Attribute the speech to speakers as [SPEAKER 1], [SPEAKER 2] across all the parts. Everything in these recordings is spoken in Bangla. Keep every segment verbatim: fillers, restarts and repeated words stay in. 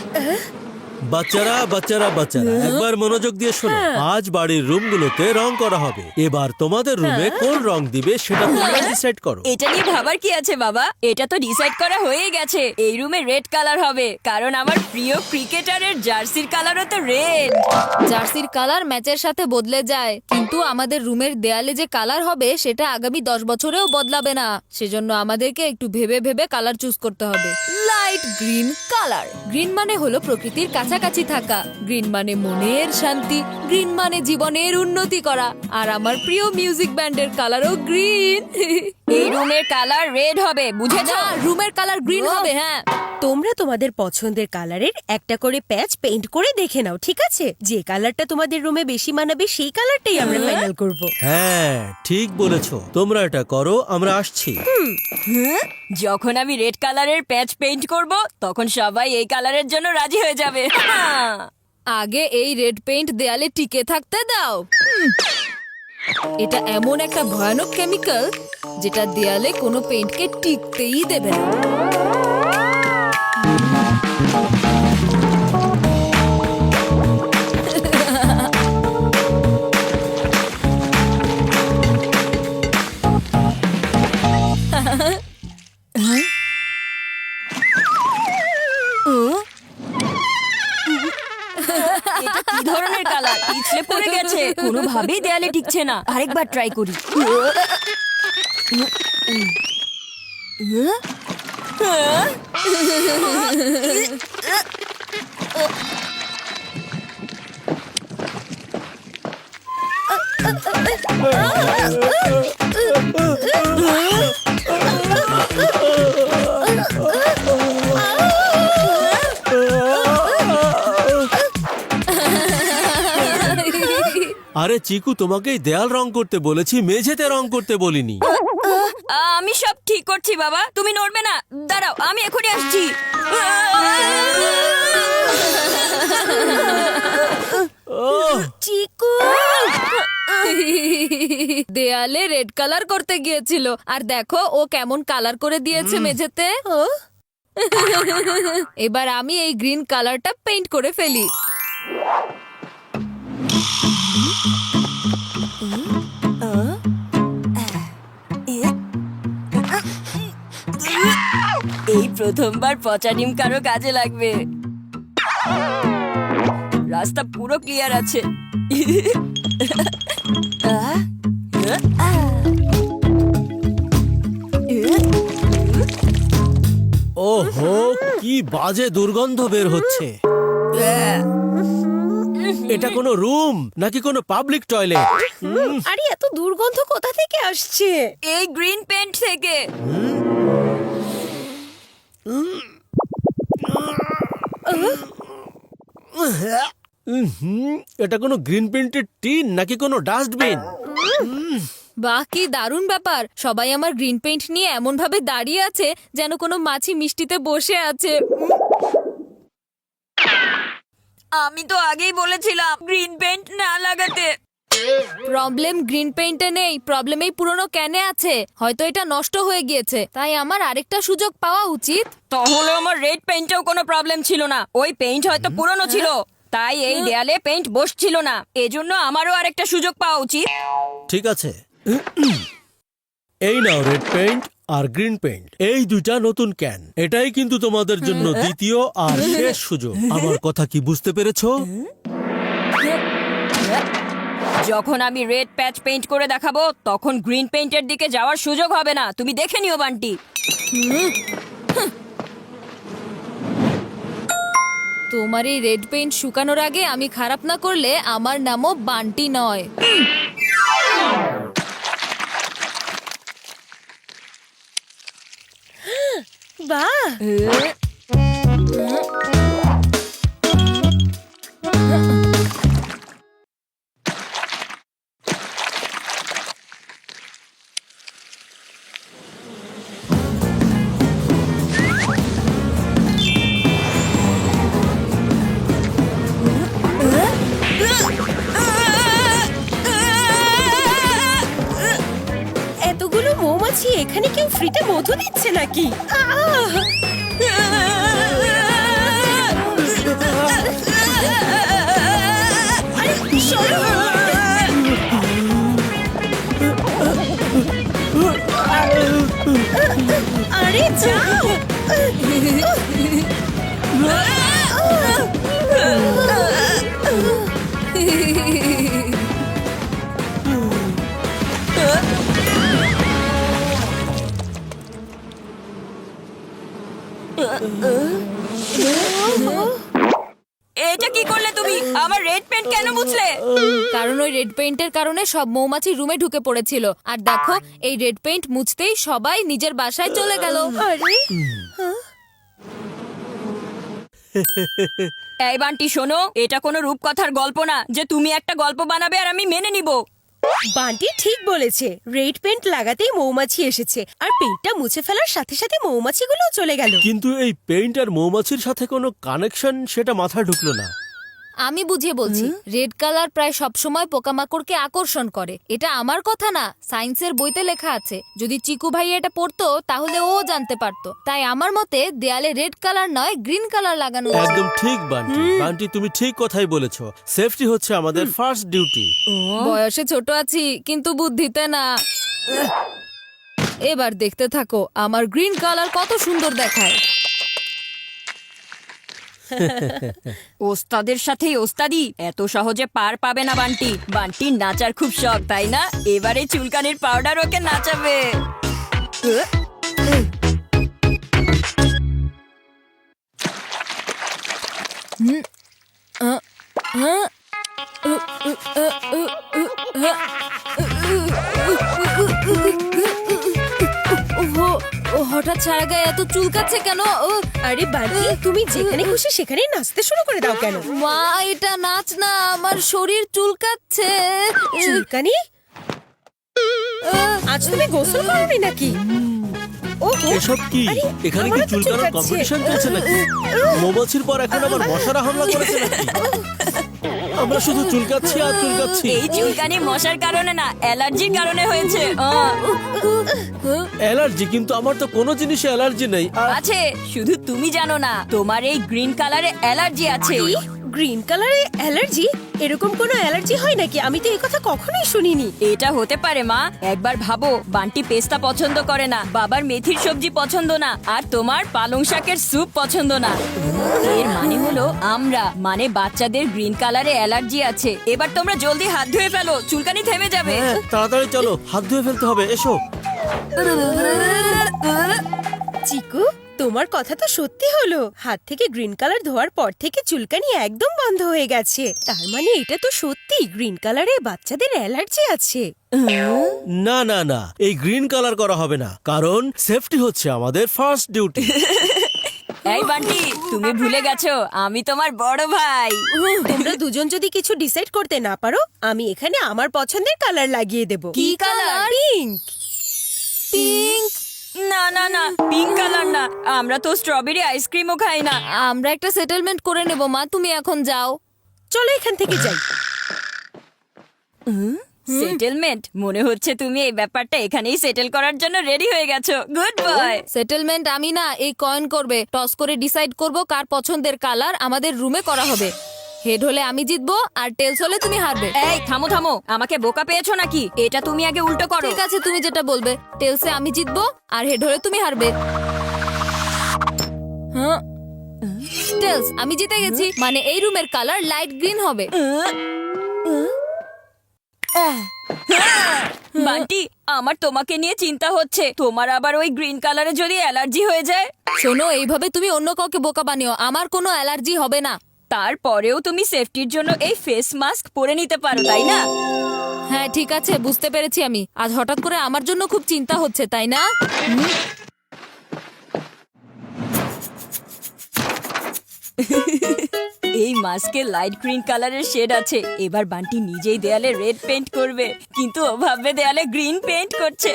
[SPEAKER 1] বাচ্চারা বাচ্চারা বাচ্চারা একবার মনোযোগ দিয়ে শোনো। আজ বাড়ির রুমগুলোতে রং করা হবে। এবার তোমাদের রুমে কোন রং দিবে সেটা তোমরা ডিসাইড করো।
[SPEAKER 2] এটা নিয়ে ভাবার কি আছে বাবা? এটা তো ডিসাইড করা হয়েই গেছে। এই রুমে রেড কালার হবে, কারণ আমার প্রিয় ক্রিকেটারের জার্সির কালারও তো রেড।
[SPEAKER 3] জার্সির কালার ম্যাচের সাথে বদলে যায়, কিন্তু আমাদের রুমের দেয়ালে যে কালার হবে সেটা আগামী দশ বছরেও বদলাবে না। সেজন্য আমাদেরকে একটু ভেবে ভেবে কালার চুজ করতে হবে। Light green colour. গ্রিন মানে হলো প্রকৃতির কাছাকাছি থাকা, গ্রিন মানে মনের শান্তি, গ্রিন মানে জীবনের উন্নতি করা। আর আমার প্রিয় মিউজিক ব্যান্ডের কালারও গ্রিন।
[SPEAKER 2] এই রুমের কালার রেড হবে, বুঝেছো?
[SPEAKER 3] রুমের কালার গ্রিন হবে। হ্যাঁ,
[SPEAKER 4] তোমরা তোমাদের পছন্দের কালারের একটা করে প্যাচ পেইন্ট করে দেখে নাও, ঠিক আছে? যে কালারটা তোমাদের রুমে বেশি মানাবে সেই কালারটাই আমরা ফাইনাল করব।
[SPEAKER 1] হ্যাঁ ঠিক বলেছো, তোমরা এটা করো, আমরা আসছি।
[SPEAKER 2] যখন আমি রেড কালারের প্যাচ পেইন্ট করব, তখন সবাই এই কালারের জন্য রাজি হয়ে যাবে।
[SPEAKER 3] আগে এই রেড পেইন্ট দেয়ালে টিকে থাকতে দাও। এটা এমন একটা ভয়ানক কেমিক্যাল যেটা দেয়ালে কোনো পেইন্টকে টিকতেই দেবে না।
[SPEAKER 2] এটা কি ধরনের কালার? পিছলে পড়ে গেছে, কোনোভাবেই দেয়ালে টিকছে না। আরেকবার ট্রাই করি।
[SPEAKER 1] আরে চিকু, তোমাকেই দেয়াল রং করতে বলেছি, মেঝেতে রং করতে বলিনি।
[SPEAKER 2] আমি সব ঠিক করছি বাবা, তুমি নড়বে না। দাঁড়াও, আমি এখনই আসছি।
[SPEAKER 3] চিকু দেয়ালে রেড কালার করতে গিয়েছিল, আর দেখো ও কেমন কালার করে দিয়েছে মেঝেতে। এবার আমি এই গ্রিন কালারটা পেইন্ট করে ফেলি।
[SPEAKER 2] এই প্রথমবার পচা ডিম কারো কাজে লাগবে। রাস্তা পুরো ক্লিয়ার আছে।
[SPEAKER 1] ওহো, কি বাজে দুর্গন্ধ বের হচ্ছে। এটা কোনো রুম নাকি কোনো পাবলিক টয়লেট?
[SPEAKER 4] আরে এত দুর্গন্ধ কোথা থেকে আসছে?
[SPEAKER 2] এই গ্রিন পেইন্ট থেকে।
[SPEAKER 1] এটা কোনো গ্রিন পেইন্টের টিন নাকি কোনো ডাস্টবিন?
[SPEAKER 3] বাহ, কি দারুণ ব্যাপার! সবাই আমার গ্রিন পেইন্ট নিয়ে এমন ভাবে দাঁড়িয়ে আছে যেন কোনো মাছি মিষ্টিতে বসে আছে।
[SPEAKER 2] আমি তো আগেই বলেছিলাম গ্রিন পেইন্ট না লাগাতে।
[SPEAKER 3] প্রবলেম গ্রিন পেইন্টে নেই, প্রবলেম এই পুরনো ক্যানে আছে। হয়তো এটা নষ্ট হয়ে গিয়েছে, তাই আমার আরেকটা সুযোগ পাওয়া উচিত।
[SPEAKER 2] তাহলে আমার রেড পেইন্টেও কোনো প্রবলেম ছিল না। ওই পেইন্ট হয়তো পুরনো ছিল, তাই এই দেয়ালে পেইন্ট বসছিল না। এজন্য আমারও আরেকটা সুযোগ পাওয়া উচিত।
[SPEAKER 1] ঠিক আছে, এই নাও রেড পেইন্ট আর গ্রিন পেইন্ট, এই দুইটা নতুন ক্যান। এটাই কিন্তু তোমাদের জন্য দ্বিতীয় আর শেষ সুযোগ। আমার কথা কি বুঝতে পেরেছো?
[SPEAKER 2] যখন আমি রেড প্যাচ পেইন্ট করে দেখাবো, তখন গ্রিন পেইন্টের দিকে যাওয়ার সুযোগ হবে না। তুমি দেখে নিও বান্টি।
[SPEAKER 3] তোমার এই রেড পেইন্ট শুকানোর আগে আমি খারাপ না করলে আমার নামও বান্টি নয়।
[SPEAKER 4] বাহ, এতগুলো মৌমাছি, এখানে কেউ ফ্রিতে মধু দিচ্ছে নাকি? আহ! আরে যাও।
[SPEAKER 2] এটা কি করলে তুমি? আমার রেড পেন্ট কেন মুছলে?
[SPEAKER 3] কারণ ওই রেড পেইন্টের কারণে সব মৌমাছি রুমে ঢুকে পড়েছিল আর দেখো এই রেড পেইন্ট মুছতেই সবাই নিজের বাসায় চলে গেল।
[SPEAKER 4] আরে
[SPEAKER 2] এই বান্টি শোনো, এটা কোনো রূপকথার গল্প না যে তুমি একটা গল্প বানাবে আর আমি মেনে নিব।
[SPEAKER 4] বান্টি ঠিক বলেছে, রেড পেন্ট লাগাতেই মৌমাছি এসেছে আর পেন্টটা মুছে ফেলার সাথে সাথে মৌমাছিগুলো চলে গেল।
[SPEAKER 1] কিন্তু এই পেইন্ট আর মৌমাছির সাথে কোনো কানেকশন সেটা মাথায় ঢুকলো না।
[SPEAKER 3] আমি বুঝিয়ে বলছি, রেড কালার প্রায় সব সময় পোকামাকড়কে আকর্ষণ করে। এটা আমার কথা না, সায়েন্সের বইতে লেখা আছে। যদি চিকু ভাই এটা পড়তো তাহলে ও জানতে পারতো। তাই আমার মতে দেয়ালে রেড কালার নয় গ্রিন কালার লাগানো উচিত।
[SPEAKER 1] একদম ঠিক বান্টি, বান্টি তুমি ঠিক কথাই বলেছো। সেফটি হচ্ছে আমাদের ফার্স্ট ডিউটি।
[SPEAKER 3] বয়সে ছোট আছি কিন্তু বুদ্ধিতে না। এবার দেখতে থাকো আমার গ্রিন কালার কত সুন্দর দেখায়।
[SPEAKER 2] ওস্তাদের সাথেই ওস্তাদি, এত সহজে পার পাবে না বান্টি। বান্টির নাচার খুব শখ, তাই না? এবারে চুলকানির পাউডার ওকে নাচাবে।
[SPEAKER 3] ওহো, ও হঠাৎ ছাড়া গায়ে এত চুলকাচ্ছে কেন? ও,
[SPEAKER 4] আরে বান্টি, তুমি যেখানে খুশি সেখানেই নাচতে শুরু করে দাও কেন?
[SPEAKER 3] মা এটা নাচ না, আমার শরীর চুলকাচ্ছে।
[SPEAKER 4] চুলকানি? আজ তুমি গোসল করোনি নাকি? ওহো,
[SPEAKER 1] এসব কি?
[SPEAKER 4] আরে,
[SPEAKER 1] এখানে কি
[SPEAKER 4] আমারও তো
[SPEAKER 1] চুলকানোর
[SPEAKER 4] চুলকাচ্ছে।
[SPEAKER 1] কম্পিটিশন চলছে নাকি? মৌমাছির পর এখন আবার মশারা হামলা করেছে নাকি? আমরা শুধু চুলকাচ্ছি আর চুলকাচ্ছি।
[SPEAKER 2] এই চুলকানি মশার কারণে না, অ্যালার্জির কারণে হয়েছে। আহ,
[SPEAKER 1] অ্যালার্জি? কিন্তু আমার তো কোনো জিনিসে অ্যালার্জি নেই। আর
[SPEAKER 2] আছে, শুধু তুমি জানো না। তোমার এই গ্রিন কালারে অ্যালার্জি আছে।
[SPEAKER 4] গ্রিন কালারে অ্যালার্জি? এরকম কোনো অ্যালার্জি হয় নাকি? আমি তো এই কথা কখনোই শুনিনি।
[SPEAKER 2] এটা হতে পারে মা। একবার ভাবো, বান্টি পেস্তা পছন্দ করে না, বাবার মেথির সবজি পছন্দ না, আর তোমার পালং শাকের স্যুপ পছন্দ না। এর মানে হলো আমরা, মানে বাচ্চাদের গ্রিন কালারে অ্যালার্জি আছে। এবার তোমরা জলদি হাত ধুয়ে ফেলো, চুলকানি থেমে যাবে।
[SPEAKER 1] হ্যাঁ, তাড়াতাড়ি চলো, হাত ধুয়ে ফেলতে হবে। এসো।
[SPEAKER 4] চিকু, তোমার কথা তো সত্যি হলো। হাত থেকে গ্রিন কালার ধোয়ার পর থেকে চুলকানি একদম বন্ধ হয়ে গেছে। তার মানে এটা তো সত্যি, গ্রিন কালারে বাচ্চাদের অ্যালার্জি আছে।
[SPEAKER 1] না না না, এই গ্রিন কালার করা হবে না, কারণ সেফটি হচ্ছে আমাদের ফার্স্ট ডিউটি।
[SPEAKER 2] এই বান্টি, তুমি ভুলে গেছো আমি তোমার বড় ভাই।
[SPEAKER 4] তোমরা দুজন যদি কিছু ডিসাইড করতে না পারো, আমি এখানে আমার পছন্দের কালার লাগিয়ে দেব।
[SPEAKER 2] কি কালার?
[SPEAKER 4] পিঙ্ক।
[SPEAKER 3] পিঙ্ক?
[SPEAKER 2] না না না, পিঙ্ক কালার না। আমরা তো স্ট্রবেরি আইসক্রিমও খাই না।
[SPEAKER 3] আমরা একটা সেটেলমেন্ট করে নেব মা, তুমি এখন যাও।
[SPEAKER 4] চলো এখান থেকে যাই।
[SPEAKER 2] সেটেলমেন্ট? মনে হচ্ছে তুমি এই ব্যাপারটা এখানেই সেটেল করার জন্য রেডি হয়ে গেছো। Good boy.
[SPEAKER 3] সেটেলমেন্ট আমি না, এই কয়েন করবে। টস করে ডিসাইড করব কার পছন্দের কালার আমাদের রুমে করা হবে। হেড হলে আমি জিতবো আর টেলস হলে তুমি হারবে।
[SPEAKER 2] এই থামো থামো, আমাকে বোকা পেয়েছো নাকি? এটা তুমি আগে উল্টো করো।
[SPEAKER 3] ঠিক আছে, তুমি যেটা বলবে। টেলসে আমি জিতবো আর হেড হলে তুমি হারবে। হ্যাঁ, টেলস আমি জিতে গেছি, মানে এই রুমের কালার লাইট গ্রিন হবে।
[SPEAKER 2] বান্টি, আমার তোমাকে নিয়ে চিন্তা হচ্ছে। তোমার আবার ওই গ্রিন কালারে যদি অ্যালার্জি হয়ে যায়?
[SPEAKER 3] শোনো, এইভাবে তুমি অন্য কাউকে বোকা বানিও। আমার কোনো অ্যালার্জি হবে না।
[SPEAKER 2] তারপরেও তুমি সেফটির জন্য এই ফেস মাস্ক পরে নিতে পারো, তাই না?
[SPEAKER 3] হ্যাঁ ঠিক আছে, বুঝতে পেরেছি আমি। আজ হঠাৎ করে আমার জন্য খুব চিন্তা হচ্ছে, তাই না? হুম?
[SPEAKER 2] এই মাস্কে লাইট গ্রিন কালারের শেড আছে। এবার বান্টি নিজেই দেয়ালে রেড পেইন্ট করবে, কিন্তু ও ভাববে দেয়ালে গ্রিন পেইন্ট করছে।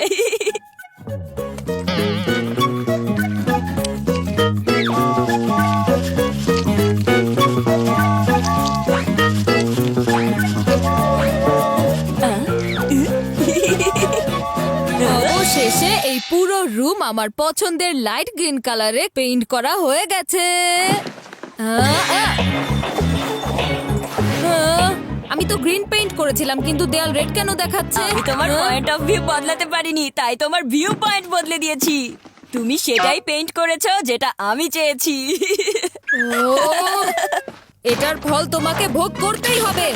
[SPEAKER 3] অবশেষে এই পুরো রুম আমার পছন্দের লাইট গ্রিন কালারে পেইন্ট করা হয়ে গেছে। আহ, আহ। আমি তো গ্রিন পেইন্ট করেছিলাম কিন্তু দেয়াল রেড কেন দেখাচ্ছে?
[SPEAKER 2] আমি তোমার
[SPEAKER 3] হ্যাঁ?
[SPEAKER 2] পয়েন্ট অফ ভিউ বদলাতে পারিনি, তাই তোমার ভিউ পয়েন্ট বদলে দিয়েছি। তুমি সেটাই পেইন্ট করেছো যেটা আমি চেয়েছি।
[SPEAKER 3] ও, এটার ফল তোমাকে ভোগ করতেই হবে।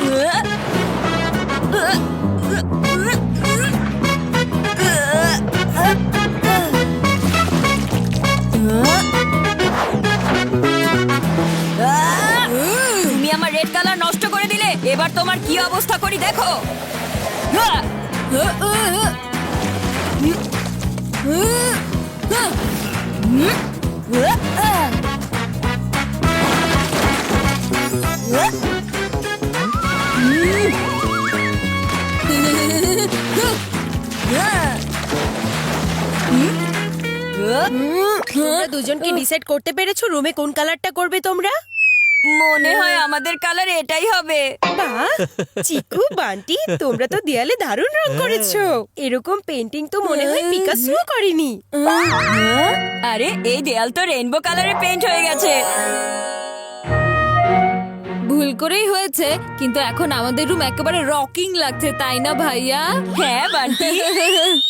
[SPEAKER 2] তুমি আমার রেড কালার নষ্ট করে দিলে, এবার তোমার কি অবস্থা করি দেখো।
[SPEAKER 4] তোমরা দুজনকে ডিসাইড করতে পেরেছো রুমে কোন কালারটা করবে তোমরা?
[SPEAKER 2] মনে হয় আমাদের কালার এটাই হবে।
[SPEAKER 4] বাহ, চিকু বান্টি তোমরা তো দেয়ালে দারুণ রং করেছো। এরকম পেন্টিং তো মনে হয় পিকাসোও করেনি।
[SPEAKER 2] আরে এই দেয়াল তো রেইনবো কালারে পেইন্ট হয়ে গেছে।
[SPEAKER 3] ভুল করেই হয়েছে, কিন্তু এখন আমাদের রুম একেবারে রকিং লাগছে, তাই না ভাইয়া?
[SPEAKER 2] হ্যাঁ বান্টি।